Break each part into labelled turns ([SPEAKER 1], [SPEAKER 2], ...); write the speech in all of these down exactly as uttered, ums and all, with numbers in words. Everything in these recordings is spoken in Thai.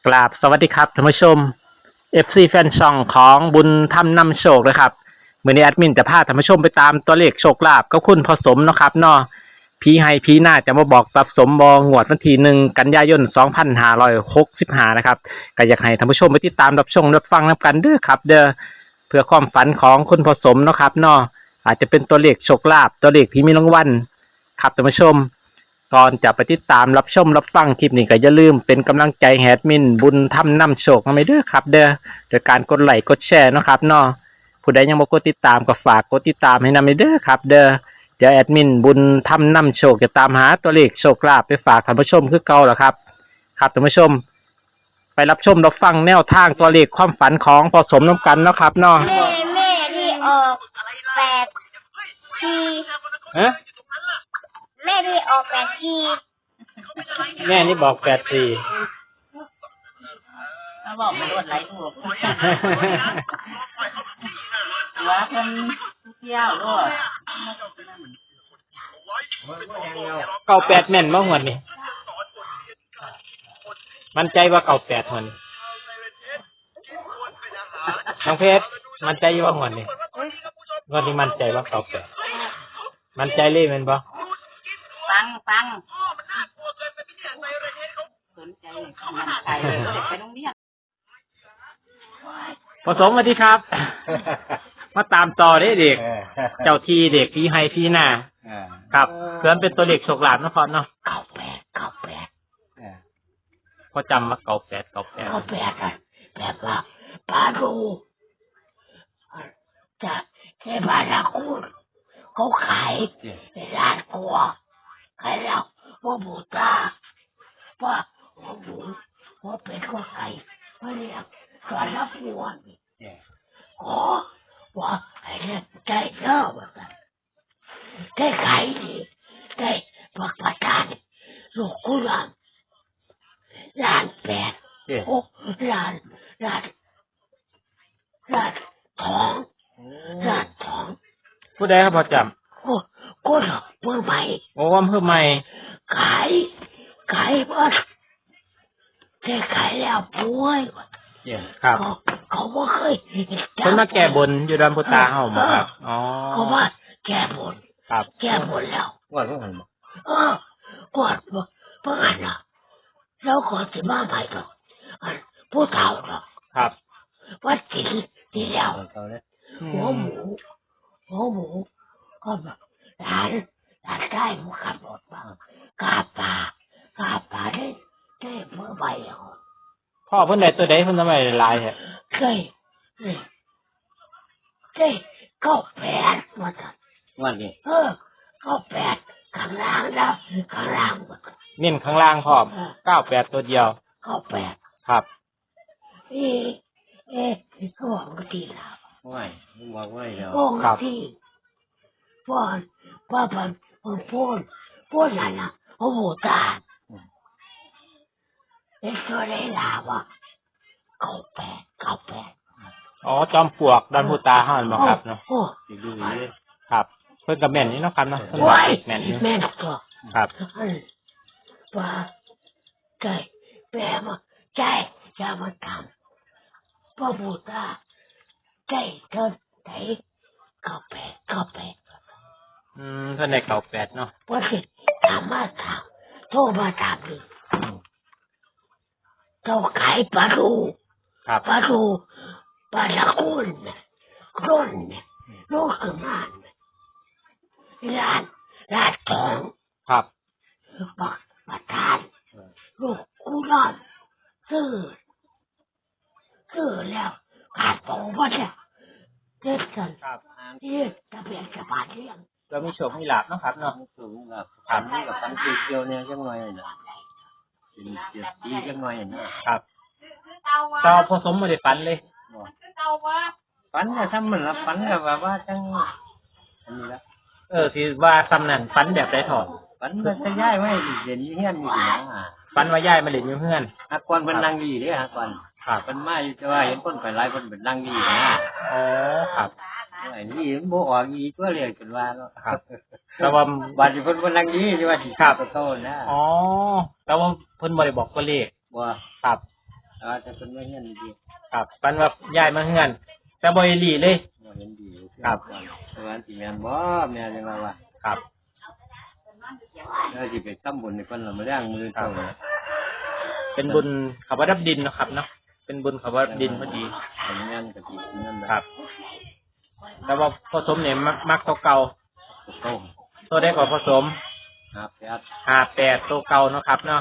[SPEAKER 1] กราบสวัสดีครับท่านผู้ชม เอฟ ซี แฟนช่องของบุญธรรมนำโชคนะครับมื้อนี้แอดมินจะพาท่านผู้ชมไปตามตัวเลขโชคลาภกับคุณพ่อสมเนาะครับเนาะผีให้ผีหน้าจะมาบอกตัดสมบองวดวันที่หนึ่งกันยายนสองพันห้าร้อยหกสิบห้านะครับก็อยากให้ท่านผู้ชมไปติดตามรับชมรับฟังนำกันเด้อครับเด้อเพื่อความฝันของคุณพ่อสมเนาะครับเนาะอาจจะเป็นตัวเลขโชคลาภตัวเลขที่มีรางวัลครับท่านผู้ชม ก่อนจะไปติดตามรับชมรับฟังคลิปนี้ก็อย่าลืมเป็นกำลังใจแฮดมินบุญทำนำโชคมาไม่เด้อครับเด้อโดยการกดไลค์กดแชร์เนาะครับเนาะผู้ใดยังบ่กดติดตามก็ฝากกดติดตามให้นำเด้อครับเด้อเดี๋ยวแอดมินบุญทำนำโชคจะตามหาตัวเลขโชคลาภไปฝากท่านผู้ชมคือเก่าแล้วครับครับท่านผู้ชมไปรับชมรับฟังแนวทางตัวเลขความฝันของพอสมน้ำกันเนาะครับเนาะ
[SPEAKER 2] แม่แม่ที่ออกแปดที
[SPEAKER 1] ฮะ
[SPEAKER 2] แม่ที่ออกแปดที
[SPEAKER 1] แม่นี่บอกแปดสี่
[SPEAKER 3] เขาบอกไม่รู้อะไรถูกว่าเพิ่นเที่ยวด้วย
[SPEAKER 1] เก้าแปดแม่นบ่หวดนี่มันใจว่าเก้าแปดหวดนี่น้องเพชรมันใจว่าหวดนี่หวดนี่มันใจว่าเก้าแปดมันใจเลยแม่นบ่
[SPEAKER 3] ฟังฟังสนใจมันใจไปโรงเรียน
[SPEAKER 1] ผสมสวัสดีครับมาตามต่อได้เด็กเจ้าที่เด็กพี่ให้พี่หน้าครับเพื่อนเป็นตัวเด็กโชคลาภนะพ่อเนาะ
[SPEAKER 3] เก้าแปดเก้าแปด
[SPEAKER 1] พอจำว่าเก้าแปดเก้าแปด
[SPEAKER 3] เก้าแปดอะแบบว่าปลาดูจะแค่ปลาละคุณเขาขายในร้านกัวขายแล้วว่าบูตาว่าว่าบูว่าเป็นว่าไก่ว่าเรียกสอนรับวัวขอว่าไอ้เนี่ยใจเล่าแบบนั้นได้ขายดีได้ปักประทานลูกกุหลาบล้านแปดโอ้ล้านล้านล้านทองล้านทอง
[SPEAKER 1] ผู้ใดครับพอจ
[SPEAKER 3] ำโอ้ก็เมื่อใหม่
[SPEAKER 1] ำโอ้ว่าเพิ่มใหม่
[SPEAKER 3] ขายขายบ้านได้ขายแล้วป่วย
[SPEAKER 1] ครับ
[SPEAKER 3] เขาไม่เคย
[SPEAKER 1] คนมาแก้บนอยู่ดอนพุตาเฮาหมอครับอ๋อ
[SPEAKER 3] เขาว่าแก้บน
[SPEAKER 1] ครับ
[SPEAKER 3] แก้บนแล้ว
[SPEAKER 1] ว่าเพิ่งเห็นบ่
[SPEAKER 3] เออกอดเพิ่งหันนะแล้วก่อนจะมาใหม่หรอกผู้เฒ่าหรอก
[SPEAKER 1] ครับ
[SPEAKER 3] วัดจีดีแล้วหัวหมูหัวหมูก็แบบร้านร้านได้หมูขับรถมากาปลากาปลาได้ได้เมื่อใบอ่ะ
[SPEAKER 1] พ่อเพิ่นได้ตัวใดเพิ่นทำไมลายฮะ
[SPEAKER 3] เคยได้เก้าแปดมาจ้ะ
[SPEAKER 1] วันนี้
[SPEAKER 3] เออเก้าแปดข้างล่างแล้วข้างล่างหมด
[SPEAKER 1] เน้นข้างล่างพร้อมเก้าแปดตัวเดียว
[SPEAKER 3] เก้าแปด
[SPEAKER 1] ครับ
[SPEAKER 3] เอ๊ะเอ๊ะเขาบอกว่าที่ลาว
[SPEAKER 1] ไม่บอกไม่แล้ว
[SPEAKER 3] บอกที่พ่อพ่อพันพ่อพูดพูดอะไรนะโอ้โหตาเอ็กซ์เรย์ลาวะเก้าแปดเก้าแปด
[SPEAKER 1] อ๋อจอมปลวกดอนพุตาเฮาบ่ครับเนาะดูครับเพิ่นก็แม่นนี่เนาะครับเนาะ
[SPEAKER 3] แม่นแม่นตัว
[SPEAKER 1] ครับ
[SPEAKER 3] ว่าใจแปลมาใจจะมาทำพ่อบูตาใจเธอไหนเก้าแปดเก้าแปด
[SPEAKER 1] อืมท่านได้เก้าแปดเนาะ
[SPEAKER 3] พอสิถามมาถามโทรมาถามเลยเจ้าขายปลาดูปลาดูปลาละกุนกร่นลูกขึ้นมาร้านร้านทอง
[SPEAKER 1] ครับ
[SPEAKER 3] บักประทานลูกกุหลาบซื้อซื้อแล้วขาดโตมาเนี่ยเด็ดกันยืดตะเบียนสะพานเลี้ยง
[SPEAKER 1] เรามีโฉมมีหลาบเนาะครับเนาะ
[SPEAKER 4] มีโฉมมีหลาบถามนี่กับฟันตีเกียวเนี่ยจังไงนะเป็นเกียวตีจังไงนะครับ
[SPEAKER 1] เจ้าผสมมาได้ฟันเลย
[SPEAKER 4] ฟันเนี่ยถ้ามันละฟันแบบว่าจังอันนี้ละ
[SPEAKER 1] เออที่ว่าซ้ำนั่นฟันแบบไรถอด
[SPEAKER 4] ฟันมันจะย้ายไว้เด่นยี่เฮียนมีหนังอ่ะ
[SPEAKER 1] ฟันว่าย้ายมาเล่นอยู่เพื่อน
[SPEAKER 4] ฮักกวนเป็นนางดีเด้ฮักกวน
[SPEAKER 1] ครับ
[SPEAKER 4] เป็นมาอยู่แต่ว่าเห็นคนไปไล่คนเป็นนางดีนะ
[SPEAKER 1] อ๋อครับ
[SPEAKER 4] ไอ้นี่มันโบออกอีตัวเรียกกันว่าเนาะ
[SPEAKER 1] ครับแต่ว่า
[SPEAKER 4] บาดที่เพิ่นเป็นนางดีที่ว่าที่ขาบโตนะ
[SPEAKER 1] อ๋อแต่ว่าเพิ่นบ่ได้บอกตัวเลข
[SPEAKER 4] ว่า
[SPEAKER 1] ครับ
[SPEAKER 4] ออาจจะเป็นไม่เงี้ยดี
[SPEAKER 1] ครับฝันว่าย้ายมาเฮือนแต่บ่อีหลีเลย
[SPEAKER 4] ๆว่าเห็นดี
[SPEAKER 1] ครับ
[SPEAKER 4] สวรรค์สิแม่นบ่แม่นยังว่าว่า
[SPEAKER 1] ครับ
[SPEAKER 4] แล้วสิไปทำบุญในเพิ่นละมาเลี้ยงมือเจ้าเนี่ย
[SPEAKER 1] เป็นบุญเขาว่ารับดินเนาะครับเนาะเป็นบุญเขาว่ารับดินพอดี
[SPEAKER 4] ทำงานกับที่นั่นแหละ
[SPEAKER 1] ครับ แต่ว่าผสมเนี่ยมักมักตัวเก่า
[SPEAKER 4] โต้ม
[SPEAKER 1] ตัวได้กว่าผสม
[SPEAKER 4] หาแปด
[SPEAKER 1] ห้าแปดตัวเก่าเนาะครับเนาะ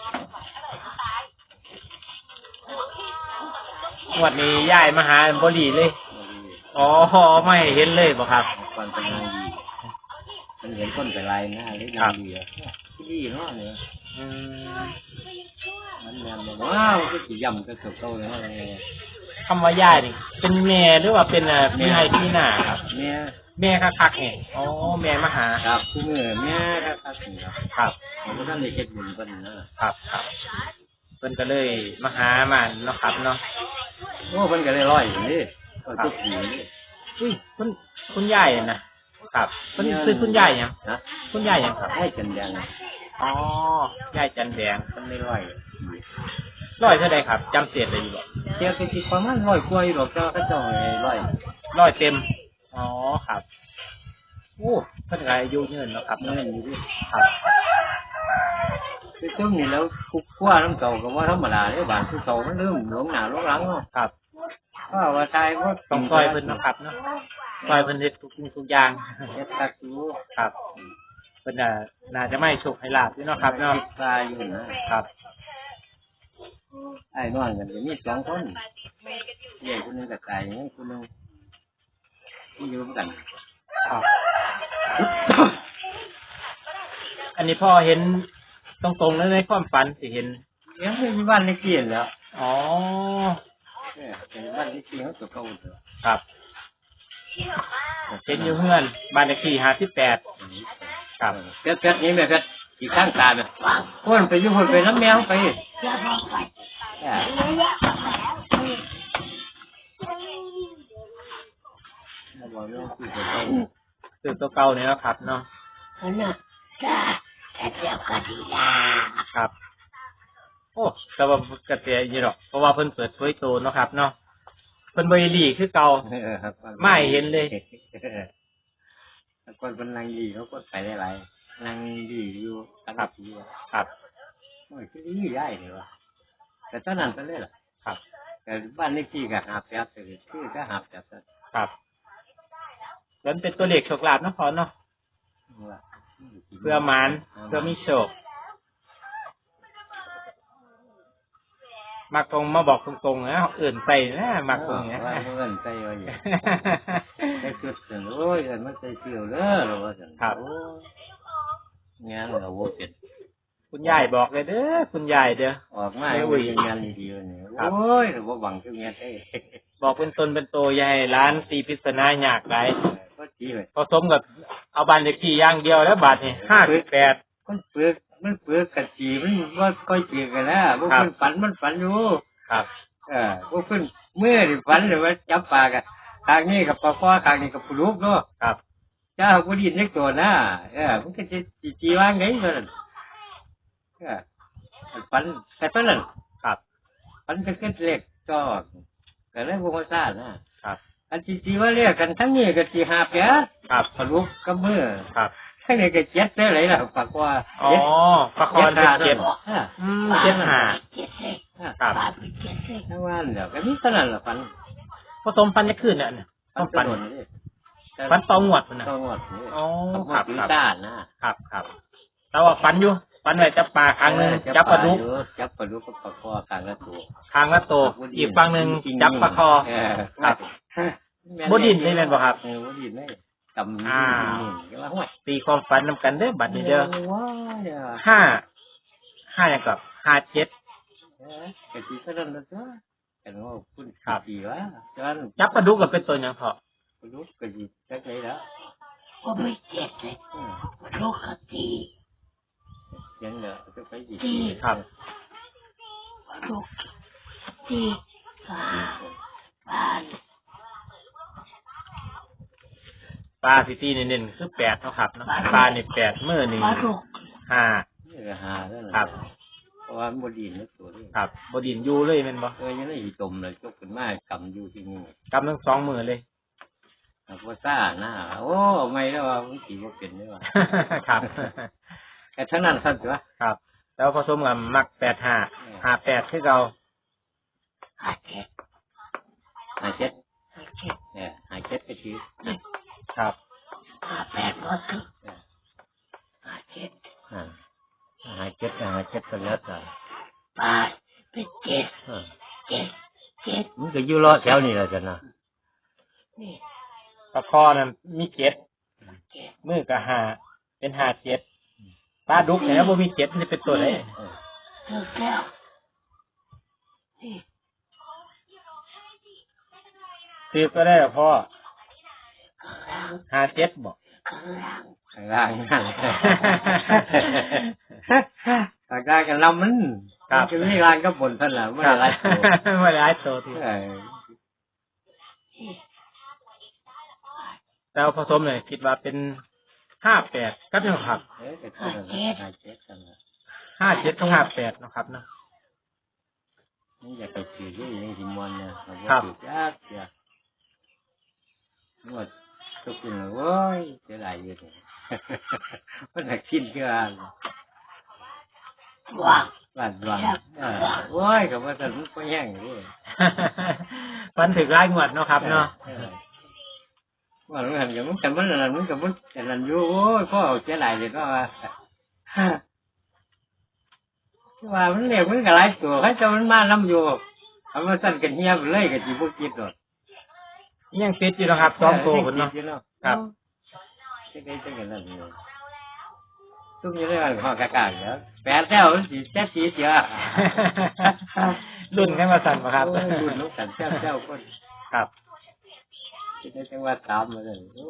[SPEAKER 1] งวดนี้ย้ายมาหาบ่ดีเลย
[SPEAKER 4] บ่ดี
[SPEAKER 1] อ๋อไม่เห็นเลยบ่ครับ
[SPEAKER 4] ก่อนเป็นนางดีมันเห็นคนไปไล่หน้าเลยนางดีอ่ะดีเนาะเนี่ย
[SPEAKER 1] อืม
[SPEAKER 4] มันแม่นบ่ว้าวก็สิย่ำก็เก่าๆเลยเนาะ
[SPEAKER 1] คำว่าย้ายนี่เป็นแม่หรือว่าเป็นอ่าพี่ให้พี่หน้าครับ
[SPEAKER 4] แม่
[SPEAKER 1] แม่คักๆเนี่ยอ๋อแม่มาหา
[SPEAKER 4] ครับผู้เมื่อแม่ก็ครับนี่ครับ
[SPEAKER 1] ครับ
[SPEAKER 4] ผมก็ท่านได้เฮ็ดบุญเพิ่นนะครับ
[SPEAKER 1] ครับเพิ่นก็เลยมาหามันเนาะครับเนาะ
[SPEAKER 4] โอ้เพิ่นก็ได้ร้อยอยู่นี่ก็ทุกปีนี่
[SPEAKER 1] อุ้ยคุณคุณยายอะนะครับเพิ่นคือคุณยายหยัง
[SPEAKER 4] นะ
[SPEAKER 1] คุณยายหยังครับ
[SPEAKER 4] ให้กันยัง
[SPEAKER 1] อ๋อยายจันแดง
[SPEAKER 4] เพิ่นได้ร้อย
[SPEAKER 1] ร้อยเท่าใดครับจำเสียดได้อยู่บ่
[SPEAKER 4] เจ้าก็สิประมาณร้อยกว่าอยู่ดอกเจ้าเขาเจ้าให้ร้อย
[SPEAKER 1] ร้อยเต็มอ๋อครับโอ้เพิ่นก็อายุยืนเนาะครับ
[SPEAKER 4] เงิ
[SPEAKER 1] เนาะ
[SPEAKER 4] นอยู่ดิ
[SPEAKER 1] ครับ
[SPEAKER 4] คือช่วงนี้แล้วคุกคว้าน้ำเก่าก็ว่าธรรมดาเด้อบางคือเก่ามันเริ่มหลงหน้าหลงหลังเนาะ
[SPEAKER 1] ครับ
[SPEAKER 4] ว่าว่าตายก็
[SPEAKER 1] ต้องซอยเพิ่นเนาะครับเนาะซอยเพิ่นเฮ็ดทุกสิ่งทุกอย่าง
[SPEAKER 4] เฮ็ดตักอยู่
[SPEAKER 1] ครับเพิ่นน่ะน่าจะไม่โชคให้ลาบอยู่เนาะครับเนาะ
[SPEAKER 4] คิดตายอยู่นะครับ ไอ้น้องกันก็มีสองคนเลี้ยงคนหนึงก็ตายอย่างนี้คนหนึงที่อยู่ด้วยกัน
[SPEAKER 1] ครับ อันนี้พ่อเห็นตรงๆเลยในความฝันสิเห็น
[SPEAKER 4] ยังไม่มีบ้านเลขที่แล้ว
[SPEAKER 1] อ๋อ
[SPEAKER 4] เออเป็นบ้านเลขที่เขาตัวเก่าเถอะ
[SPEAKER 1] ครับเห็นอยู่เพื่อนบ้านเลขที่ห้าสิบแปดครับ
[SPEAKER 4] เพชรเพชรนี่แม่เพชรอีกข้างตาเนี่ยคนไปอยู่คนไปน้ำแมวไป
[SPEAKER 3] อย่าบอกไป
[SPEAKER 4] เออมาบอกเรื่องที่ตัวเก่า
[SPEAKER 1] คือตัวเก่าเนี่ยนะครับเนาะ
[SPEAKER 3] อันนั้นจ้าแต่เดียวก็ดีนะครับ
[SPEAKER 1] โอ้แต่ว่ากระเตียอยู่หรอกเพราะว่าเพิ่นเปิดเผยตัวเนาะครับเนาะเพิ่นบริลีคือเก่า
[SPEAKER 4] เออครับ
[SPEAKER 1] ไม่เห็นเลย
[SPEAKER 4] คนเป็นนางดีเขาก็ใส่ได้หลายนางดีอยู่ตั้งแต่ปี
[SPEAKER 1] ครับ
[SPEAKER 4] โอ้ยคือดีใหญ่เลยวะแต่ตอนนั้นก็เลยล่ะ
[SPEAKER 1] ครับ
[SPEAKER 4] แต่บ้านเลขที่ก็หาแปดเลยคือก็หาแปดซะ
[SPEAKER 1] ครับแล้วเป็นตัวเลขโชคลาภเนาะพอเนาะเพื่อหมานเพื่อมีโชคมักตรงมาบอกตรงๆนะเอื่นไปนะมักตรงเนี้ย
[SPEAKER 4] ว่าเงินใจว่าอย่างได้ชุดถึงโอ้ยเงินมันใจเกี่ยวเลยหรอวะ
[SPEAKER 1] ครับ
[SPEAKER 4] งานเราโว้เสร็จ
[SPEAKER 1] คุณยายบอกเลยเด้อคุณยายเด้อ
[SPEAKER 4] ออกมาไม่ยังงานดีๆเนี่ยโอ้ยเราหวังจะงานได้
[SPEAKER 1] บอกเป็นตนเป็นโตอยายร้านตีพิษณาอยากไร
[SPEAKER 4] ก็ดีเลย
[SPEAKER 1] ผสมกับเอาบันเลขที่อย่างเดียวแล้วบาทนี่ห้าสิบแปด
[SPEAKER 4] มันเปลือกมันเปลือกกะจีมันว่าค่อยเจียกันแล้วพวกมันฝันมันฝันอยู่
[SPEAKER 1] ครับ
[SPEAKER 4] เออพวกมันเมื่อที่ฝันเลยว่าจับปลากันทางนี้กับปลาคอทางนี้กับปลาลูกเนาะ
[SPEAKER 1] ครับ
[SPEAKER 4] เจ้ากูดีนึกตัวนะเออมันก็จะจีจีว่างไงมันเออฝันแต่ตอนนั้น
[SPEAKER 1] ครับ
[SPEAKER 4] ฝันจะขึ้นเล็กก็ก็เลยพวกมันซ่านะครับ อันจีจีว่าเรียกกันทั้งนี้ก็จีหาเปีย
[SPEAKER 1] ครับ
[SPEAKER 4] ปลาลูกกับมือ
[SPEAKER 1] ครับ
[SPEAKER 4] ทั้งนี้ก็เจ็ดได้เลยล่ะปลาคอ
[SPEAKER 1] อ๋อประคอนเป็นเจ็ด
[SPEAKER 4] อ่า
[SPEAKER 1] อืมเจ็ดห้า
[SPEAKER 3] เจ็ดเลย
[SPEAKER 1] ครับ
[SPEAKER 3] ปลาเป็นเจ็ดเลย
[SPEAKER 4] ทั้งวันเดี๋ยวก็มีเท่านั้นละฝัน
[SPEAKER 1] ผสมฟันจะขึ้นเนี่ยต้อง
[SPEAKER 4] ฝั
[SPEAKER 1] ฟั
[SPEAKER 4] น
[SPEAKER 1] น
[SPEAKER 4] โดนนี่
[SPEAKER 1] ฟันตองหวดมันนะ
[SPEAKER 4] ต้องหมดนี่
[SPEAKER 1] อ๋อ
[SPEAKER 4] ต้องหม
[SPEAKER 1] ครั
[SPEAKER 4] ด
[SPEAKER 1] บ
[SPEAKER 4] อยู่
[SPEAKER 1] ครับ
[SPEAKER 4] ด้านนะครับ
[SPEAKER 1] ครับแต่ว่าฟันอยู่ฟันไว้จับปลาครั้งหนึ่งจับปลาดุก
[SPEAKER 4] จับปลาดุกกับปลาคอข้างละตัว
[SPEAKER 1] ครั้งละโตอีกฝั่งหนึ่งจับปลาคอ
[SPEAKER 4] เออ
[SPEAKER 1] ครับ บ่ดิ้นเลยแม่นบ่ครับ
[SPEAKER 4] เออบ่ดินเลยกำ
[SPEAKER 1] อ่า
[SPEAKER 4] นี่ก็ว่าห้วย
[SPEAKER 1] ตีความฝันนำกันเด้อบัดนี้เด้อ
[SPEAKER 4] ว้ายเด้อ
[SPEAKER 1] ห้าห้าอย่างกับห้าเจ็ด
[SPEAKER 4] เออกะสิเท่านั้นละตัวกันว่าคุณ
[SPEAKER 1] ครับ
[SPEAKER 4] ดีวะจน
[SPEAKER 1] จับปลาดุกกับเป็นตัวอย่างพอ
[SPEAKER 4] ปลาดุกกะสิจักไดแล้ว
[SPEAKER 3] ก็ไม่เจ็ดเลย
[SPEAKER 4] เออ
[SPEAKER 3] โลกกตี
[SPEAKER 4] เสียงเด้อจะไปสิ
[SPEAKER 1] ครับ
[SPEAKER 3] โลกตีปลาปลา
[SPEAKER 1] ปลาสิตีเน้นๆคือแปดเท่าครับเนาะปลานี่แปดมือนี่
[SPEAKER 3] ปลาลูก
[SPEAKER 1] ห้า
[SPEAKER 4] นี่ก็หาแล้ว
[SPEAKER 1] ครับ
[SPEAKER 4] เพราะว่ามันบดีนนะตัวนี้
[SPEAKER 1] ครับบดินอยู่เลยแม่นบ่
[SPEAKER 4] เออยังได้อีตมเลยจกขึ้นมากำอยู่ที่นี่
[SPEAKER 1] กำทั้งสองมือเลย
[SPEAKER 4] ครับว่าซ่าหน้าโอ้ไม่แล้วว่ามันขี่ว่าเป็นได้ว่า
[SPEAKER 1] ครับ
[SPEAKER 4] แต่ทั้งนั้นสั้นตัว
[SPEAKER 1] ครับ แล้วผสมกับมักแปดห้าห้าแปดคือเรา
[SPEAKER 3] หาเจ็ด
[SPEAKER 4] หายเจ็ด
[SPEAKER 3] หาเจ็ด
[SPEAKER 4] เนี่ยหายเจ็ดก็คือ
[SPEAKER 1] ครับ
[SPEAKER 3] หาแปดบ่ถึงหาเจ็ด
[SPEAKER 4] อ่าหายเจ็ดหายเจ็ดก็แล้วแต่
[SPEAKER 3] แปดเป็นเจ็ด
[SPEAKER 4] อ่า
[SPEAKER 3] เจ็ดเจ็ด
[SPEAKER 4] มันก็อยู่รอแถวนี้แหละจ้ะนะ
[SPEAKER 3] นี่
[SPEAKER 1] ปลาคอนั้นมีเจ็ด
[SPEAKER 3] เจ็ด
[SPEAKER 1] มือกับห้าเป็นห้าเจ็ดปลาดุกเนี่ยบ่มีเจ็ดนี่เป็นตัวไหน
[SPEAKER 4] เออ
[SPEAKER 3] ถึงแล้วนี่
[SPEAKER 1] คือก็ได้หรอพ่อ
[SPEAKER 3] ข้างล่าง
[SPEAKER 1] ห้าเจ็ดบอก
[SPEAKER 3] ข้างล่าง
[SPEAKER 4] ข้างล่างนั่นข้างล่างกันลำมันมันจะมีรางก็บนท่านแหละไม่ได้ไรตัว
[SPEAKER 1] ไม่ได้ตัวที่
[SPEAKER 4] เออ
[SPEAKER 3] นี่
[SPEAKER 1] แล้วผสมเนี่ยคิดว่าเป็นห้าแปดก็เป็นครับ
[SPEAKER 4] เออแต่ท่านน่ะหายเจ็ดกันละ
[SPEAKER 1] ห้าเจ็ดกับห้าแปดนะครับเนาะ
[SPEAKER 4] นี่อยากไปถือที่ยังสิมวนเนี่ยเรา
[SPEAKER 1] ครับ
[SPEAKER 4] ถือยากเสียนวดทุกคนเลยโว้ยเสียดายอยู่เนี่ยมันหนักทิ้นเชื่อ
[SPEAKER 3] วาง
[SPEAKER 4] บ้านวังเออโว้ยกับว่าแต่มันก็แย่งอยู่เลย
[SPEAKER 1] ฟันถึงไล่งวดเนาะครับเนาะ
[SPEAKER 4] ออว่ามันหันกับมันแต่มันอะไรมันกับมันแต่นันอยู่โอ้ยพ่อเสียดายเลยก็ว่าว่ามันเรียกมันกับหลายตัวให้เจ้ามันมาน้ำอยู่เอามาสั่นกันเฮียบเลยกับจีบกิดหรอก
[SPEAKER 1] ยังติดอยู่นะครับสองตัวคนเนาะ ครับ
[SPEAKER 4] จะได้จะกันนั่นเลยตุ้มอยังได้ว่าข้อกากาเดี๋ยวแปดแถวสีแจ๊สีเสีย
[SPEAKER 1] รุ่นให้มาสั่นมาครับ
[SPEAKER 4] โอ้ยรุ่นลูกสันแจ้วแจ้วคน
[SPEAKER 1] ครับ
[SPEAKER 4] จะได้จังว่าตามมาเลยโอ้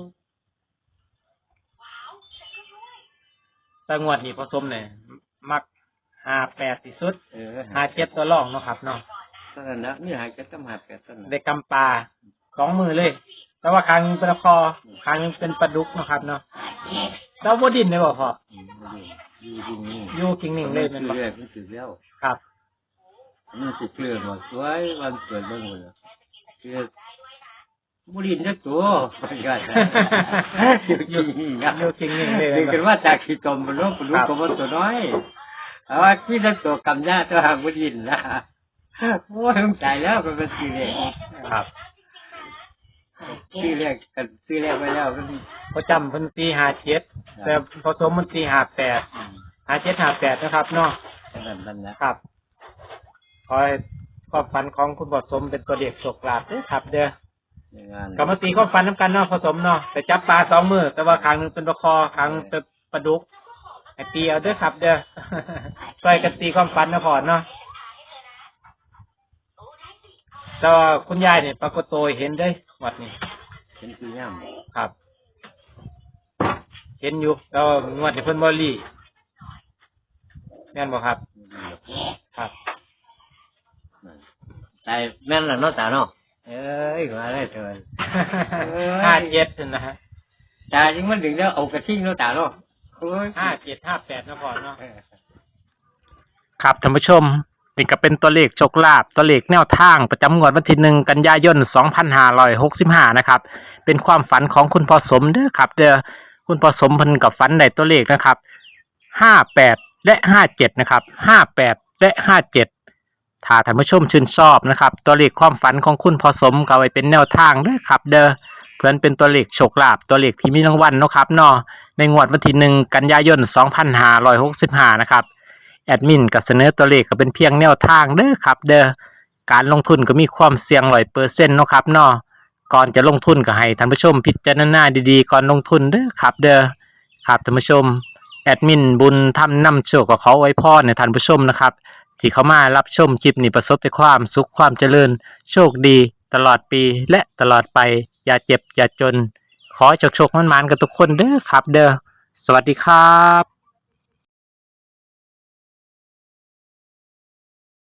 [SPEAKER 1] แตงวดนี่ผสมเนี่ยมักห้าแปดที่สุด
[SPEAKER 4] เออ
[SPEAKER 1] ห้าเจ็ดตัวรองเนาะครับเนาะ
[SPEAKER 4] ตอนนั้นนะนี่หายกันต้องหาแปดต้น
[SPEAKER 1] ได้กำปลาสองมือเลย แต่ว่าครั้งหนึ่งเป็นคอครั้งหนึงเป็นปลาดุกเนาะครับเนาะ
[SPEAKER 3] หาเจ็ด
[SPEAKER 1] แล้วบดินได้บ่พอ
[SPEAKER 4] อืมบ่ดีอยู่จริงนี่
[SPEAKER 1] อยู่กิ่งหนึ่งเลยเป็น
[SPEAKER 4] มัน
[SPEAKER 1] บ่
[SPEAKER 4] เรื่อยมันถือแล้ว
[SPEAKER 1] ครับ
[SPEAKER 4] มันสิเกลือหมดสวยวันเกิดเบิ่งเลยคือบุรีนจักตัวมันก็อยู่จริงนี่นะ
[SPEAKER 1] อยู่กิ่งหนึ่งเลย
[SPEAKER 4] ดึงกันว่าจากขี้ตมมันรู้รู้กับมันตัวน้อยเอาว่าที่นั่นตัวกำยาตัวหางบุรีนนะโอ้ยมันใจแล้วมันเป็นสีแรก
[SPEAKER 1] ครับ
[SPEAKER 3] หาเจ็
[SPEAKER 4] ซื้อ
[SPEAKER 3] ด
[SPEAKER 4] แรกกันซื้อแรกไปแล้วมัน
[SPEAKER 1] พอจำเพันตีห้าเจ็ดแต่ผสมมันตีห้าแปดห้าเจ็ดห้าแปดนะครับเนาะ
[SPEAKER 4] นั่นนั่นนะครับ
[SPEAKER 1] คอยความฝันของคุณผสมเป็นตัวเด็กโชคลาภเด้อครับ เด้อ
[SPEAKER 4] ในงาน
[SPEAKER 1] กรรมตีความฝันน้ำกันเนาะผสมเนาะแต่จับปลาสองมือแต่ว่าครั้งหนึ่งเป็นปลาคอครั้งหนึ่งเป็นปลาดุกไอตีเอาเด้อครับ เด้อ ช่วยกันตีความฝันนะพอเนาะแต่ว่าคุณยายเนี่ยปรากฏตัวเห็นได้หมดนี่
[SPEAKER 4] เป็นคือย่ำ
[SPEAKER 1] ครับ เห็นอยู่แต่ว่างวดที่เพิ่นบ่รีแม่นบ่ครับ ครับ
[SPEAKER 4] แต่แม่นละเนาะตาเนาะเอ้ยมาได้เถิน
[SPEAKER 1] ห้าเจ็ดนะฮะ
[SPEAKER 4] ตาจริงมันถึงแล้วเอากระทิ่งเนาะตาเนาะโอ้ย
[SPEAKER 1] ห้าเจ็ดห้าแปดนะพอเนาะ
[SPEAKER 5] ครับท่านผู้ชมนี่ก็เป็นตัวเลขโชคลาภตัวเลขแนวทางประจำงวดวันที่หนึ่งกันยายนสองพันห้าร้อยหกสิบห้านะครับเป็นความฝันของคุณพ่อสมเด้อครับเด้อคุณพ่อสมเพิ่นกับฝันได้ตัวเลขนะครับห้าแปดและห้าเจ็ดนะครับห้าแปดและห้าเจ็ดถ้าท่านผู้ชมชื่นชอบนะครับตัวเลขความฝันของคุณพ่อสมก็เอาไว้เป็นแนวทางเด้อครับเด้อเพื่อนเป็นตัวเลขโชคลาภตัวเลขที่มีรางวัลเนาะครับเนาะในงวดวันที่หนึ่งกันยายนสองพันห้าร้อยหกสิบห้านะครับแอดมินก็เสนอตัวเลขก็เป็นเพียงแนวทางเด้อครับเด้อการลงทุนก็มีความเสี่ยงร้อยเปอร์เซ็นต์เนาะครับเนาะก่อนจะลงทุนก็ให้ท่านผู้ชมพิจารณาดีๆก่อนลงทุนเด้อครับเด้อครับท่านผู้ชมแอดมินบุญทำนำโชคก็ขอไว้พรในท่านผู้ชมนะครับที่เข้ามารับชมคลิปนี้ประสบแต่ความสุขความเจริญโชคดีตลอดปีและตลอดไปอย่าเจ็บอย่าจนขอให้โชคๆมันๆกันทุกคนเด้อครับเด้อสวัสดีครับ